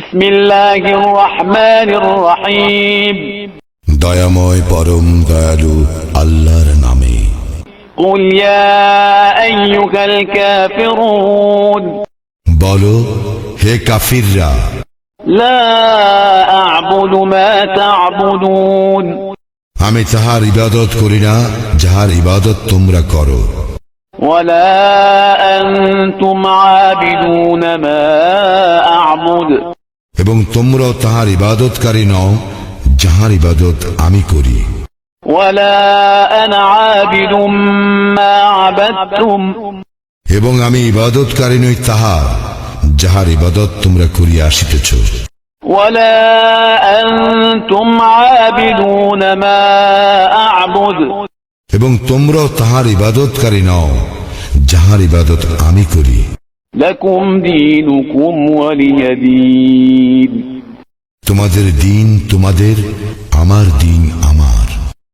বিসমিল্লাহির রহমানির রহিম। দয়াময় পরম দয়ালু আল্লাহর নামে। কুল ইয়া আইয়ুহাল কাফিরুন, বলো হে কাফিররা, লা আ'বুদু মা তা'বুদুন, আমি তাহার ইবাদত করি না যাহার ইবাদত তোমরা করো। ওয়ালা আনতুম আবিদুনা মা আ'বুদ, এবং তোমরাও তাহার ইবাদতকারী নও যাহার ইবাদত আমি করি। ওয়ালা আনা আবিদুম মা আবাদতুম, এবং আমি ইবাদতকারী নই তাহার যাহার ইবাদত তোমরা করিয়া আসিতেছ। ওয়ালা আনতুম আবিদুনা মা আ'বুদ, এবং তোমরাও তাহার ইবাদতকারী নও যাহার ইবাদত আমি করি। লাকুম দীনুকুম ওয়ালিয়া দীন, তোমাদের দিন তোমাদের, আমার দিন আমার।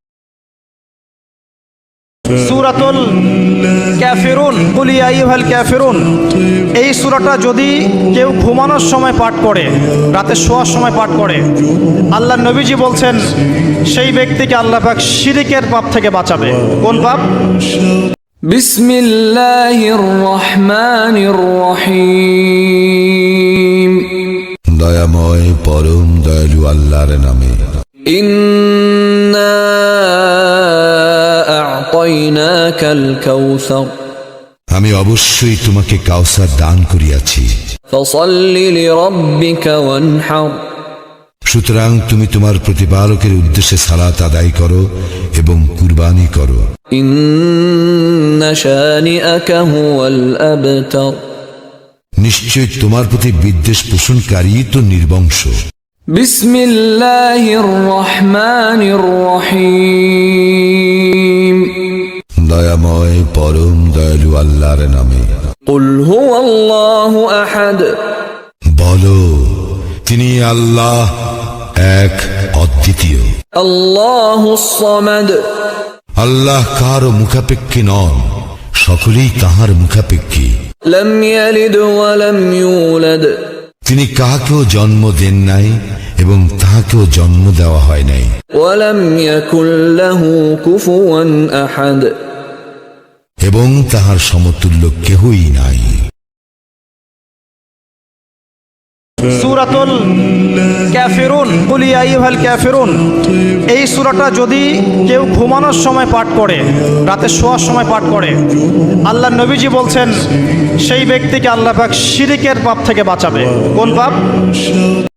সূরাতুল কাফিরুন, কুল ইয়া আইয়ুহাল কাফিরুন, এই সূরাটা যদি কেউ ঘুমানোর সময় পাঠ করে, রাতে শোয়ার সময় পাঠ করে, আল্লাহ নবীজি বলছেন সেই ব্যক্তিকে আল্লাহ পাক শিরকের পাপ থেকে বাঁচাবে। কোন পাপ? বিসমিল্লাহির রহমানির রহিম। দয়াময় পরম দয়ালু আল্লাহর নামে। ইন্না আ'তাইনাকাল কাউসার, আমি অবশ্যই তোমাকে কাউসার দান করিয়াছি। ফাসাল্লি লিরাব্বিকা ওয়ানহার, সুতরাং তুমি তোমার প্রতিপালকের উদ্দেশ্যে সালাত আদায় করো এবং কুরবানি করো। ইন্না শানিআকা হুয়াল আবতার, নিশ্চয় তোমার প্রতি বিদ্বেষ পোষণকারী তো নির্বংশ। বিসমিল্লাহির রহমানির রহিম। দয়াময় পরম দয়ালু আল্লাহর নামে। কুল হুয়াল্লাহু আহাদ, বলো তিনি আল্লাহ এক অদ্বিতীয়। আল্লাহুস সামাদ, আল্লাহ কারও মুখাপেক্ষী নন, সকলেই তাহার মুখাপেক্ষী। লাম ইয়ালিদ ওয়া লাম ইউলাদ, তিনি কাহাকেও জন্ম দেন নাই এবং তাহাকেও জন্ম দেওয়া হয় নাই। ওয়া লাম ইয়াকুল লাহু কুফুয়ান আহাদ, এবং তাহার সমতুল্য কেহই নাই। সূরাতুল কাফিরুন, কুল ইয়া আইয়ুহাল কাফিরুন, এই সূরাটা যদি কেউ ঘুমানোর সময় পাঠ করে, রাতে শোয়ার সময় পাঠ করে, আল্লাহ নবীজি বলছেন সেই ব্যক্তিকে আল্লাহ পাক শিরকের পাপ থেকে বাঁচাবে। কোন পাপ?